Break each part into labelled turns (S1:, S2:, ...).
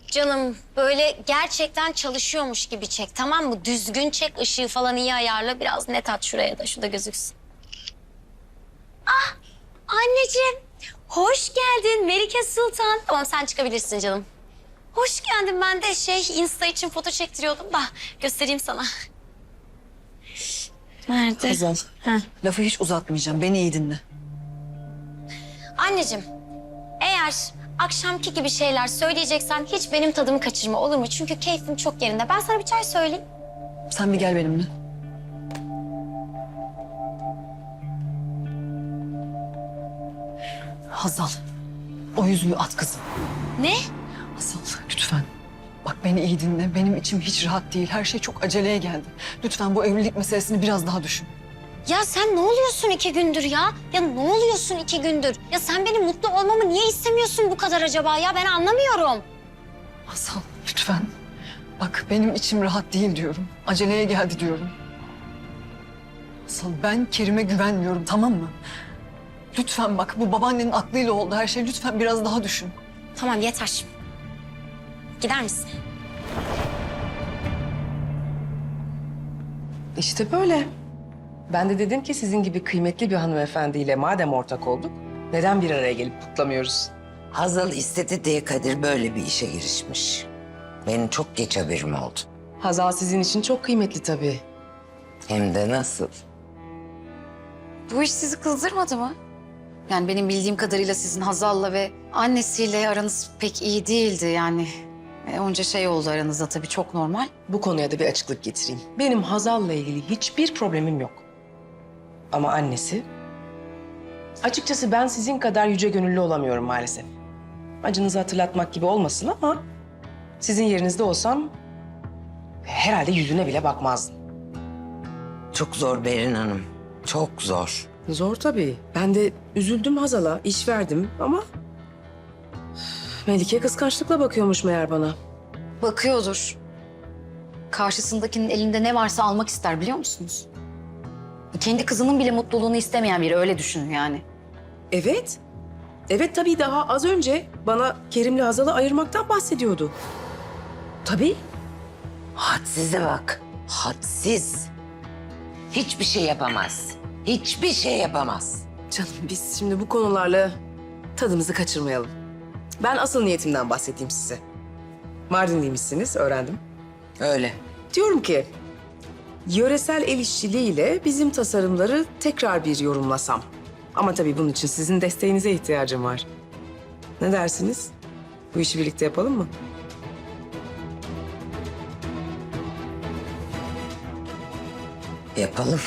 S1: Canım böyle gerçekten çalışıyormuş gibi çek, tamam mı? Düzgün çek, ışığı falan iyi ayarla. Biraz net at şuraya da, şu da gözüksün. Ah anneciğim, hoş geldin Melike Sultan. Tamam sen çıkabilirsin canım. Hoş geldin, ben de Insta için foto çektiriyordum da göstereyim sana. Nerede?
S2: Hazal,
S1: Heh.
S2: lafı hiç uzatmayacağım. Beni iyi dinle.
S1: Anneciğim, eğer akşamki gibi şeyler söyleyeceksen hiç benim tadımı kaçırma, olur mu? Çünkü keyfim çok yerinde. Ben sana bir çay söyleyeyim.
S2: Sen bir gel benimle. Hazal, o yüzüğü at kızım.
S1: Ne?
S2: Hazal, lütfen. Bak beni iyi dinle. Benim içim hiç rahat değil. Her şey çok aceleye geldi. Lütfen bu evlilik meselesini biraz daha düşün.
S1: Ya sen ne oluyorsun 2 gündür ya? Ya ne oluyorsun 2 gündür? Ya sen benim mutlu olmamı niye istemiyorsun bu kadar acaba ya? Ben anlamıyorum.
S2: Hazal, lütfen. Bak benim içim rahat değil diyorum. Aceleye geldi diyorum. Hazal, ben Kerim'e güvenmiyorum, tamam mı? Lütfen bak, bu babaannenin aklıyla oldu her şey. Lütfen biraz daha düşün.
S1: Tamam yeter. Gider misin?
S3: İşte böyle. Ben de dedim ki sizin gibi kıymetli bir hanımefendiyle madem ortak olduk, neden bir araya gelip kutlamıyoruz?
S4: Hazal istedi diye Kadir böyle bir işe girişmiş. Benim çok geç haberim oldu.
S3: Hazal sizin için çok kıymetli tabii.
S4: Hem de nasıl?
S5: Bu iş sizi kızdırmadı mı? Yani benim bildiğim kadarıyla sizin Hazal'la ve annesiyle aranız pek iyi değildi yani. Onca şey oldu aranızda tabii, çok normal.
S3: Bu konuya da bir açıklık getireyim. Benim Hazal'la ilgili hiçbir problemim yok. Ama annesi... Açıkçası ben sizin kadar yüce gönüllü olamıyorum maalesef. Acınızı hatırlatmak gibi olmasın ama... Sizin yerinizde olsam... Herhalde yüzüne bile bakmazdım.
S4: Çok zor Berin Hanım. Çok zor.
S3: Zor tabii. Ben de üzüldüm Hazal'a, iş verdim ama... Melike kıskançlıkla bakıyormuş meğer bana.
S5: Bakıyordur. Karşısındakinin elinde ne varsa almak ister, biliyor musunuz? Kendi kızının bile mutluluğunu istemeyen biri, öyle düşünün yani.
S3: Evet. Evet tabii, daha az önce bana Kerim'le Hazal'ı ayırmaktan bahsediyordu. Tabii.
S4: Hadsize bak. Hadsiz. Hiçbir şey yapamaz. Hiçbir şey yapamaz.
S3: Canım biz şimdi bu konularla tadımızı kaçırmayalım. Ben asıl niyetimden bahsedeyim size. Mardinliymişsiniz, öğrendim.
S4: Öyle.
S3: Diyorum ki, yöresel el işçiliğiyle bizim tasarımları tekrar bir yorumlasam. Ama tabii bunun için sizin desteğinize ihtiyacım var. Ne dersiniz? Bu işi birlikte yapalım mı?
S4: Yapalım.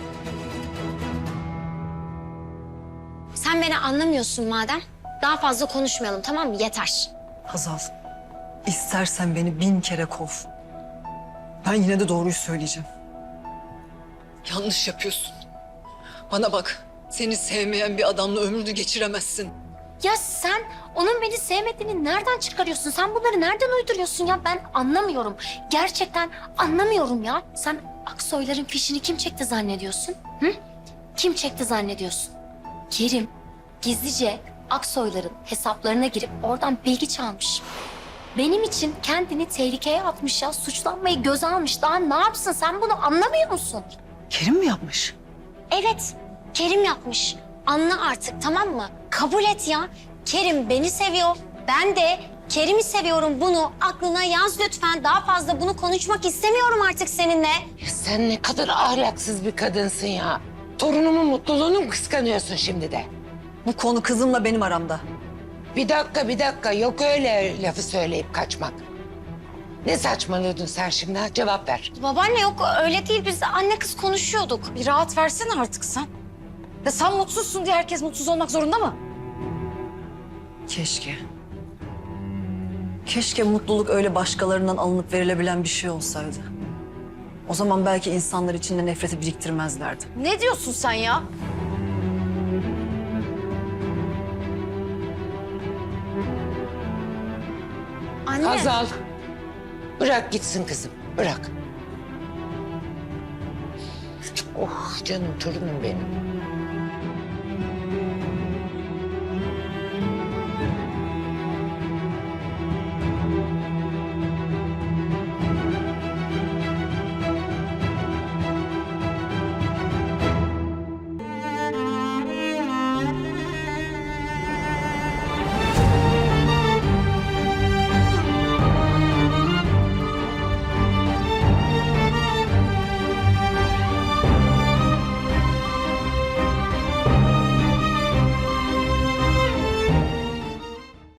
S1: Sen beni anlamıyorsun madem. Daha fazla konuşmayalım, tamam mı? Yeter.
S2: Hazal, istersen beni 1000 kere kov. Ben yine de doğruyu söyleyeceğim. Yanlış yapıyorsun. Bana bak, seni sevmeyen bir adamla ömrünü geçiremezsin.
S1: Ya sen onun beni sevmediğini nereden çıkarıyorsun? Sen bunları nereden uyduruyorsun ya? Ben anlamıyorum. Gerçekten anlamıyorum ya. Sen Aksoyların fişini kim çekti zannediyorsun? Hı? Kim çekti zannediyorsun? Kerim gizlice Aksoyların hesaplarına girip oradan bilgi çalmış. Benim için kendini tehlikeye atmış ya. Suçlanmayı göze almış. Daha ne yapsın? Sen bunu anlamıyor musun?
S2: Kerim mi yapmış?
S1: Evet, Kerim yapmış. Anla artık, tamam mı? Kabul et ya. Kerim beni seviyor. Ben de Kerim'i seviyorum. Bunu aklına yaz lütfen. Daha fazla bunu konuşmak istemiyorum artık seninle.
S4: Ya sen ne kadar ahlaksız bir kadınsın ya. Torunumun mutluluğunu mu kıskanıyorsun şimdi de?
S2: Bu konu kızımla benim aramda.
S4: Bir dakika. Yok öyle lafı söyleyip kaçmak. Ne saçmalıyordun sen şimdi ha? Cevap ver.
S1: Babaanne yok öyle değil. Biz anne kız konuşuyorduk.
S5: Bir rahat versene artık sen. Ya sen mutsuzsun diye herkes mutsuz olmak zorunda mı?
S2: Keşke. Keşke mutluluk öyle başkalarından alınıp verilebilen bir şey olsaydı. O zaman belki insanlar içinde nefreti biriktirmezlerdi.
S5: Ne diyorsun sen ya?
S1: Anne.
S4: Hazal. Bırak gitsin kızım. Bırak. Oh canım torunum benim.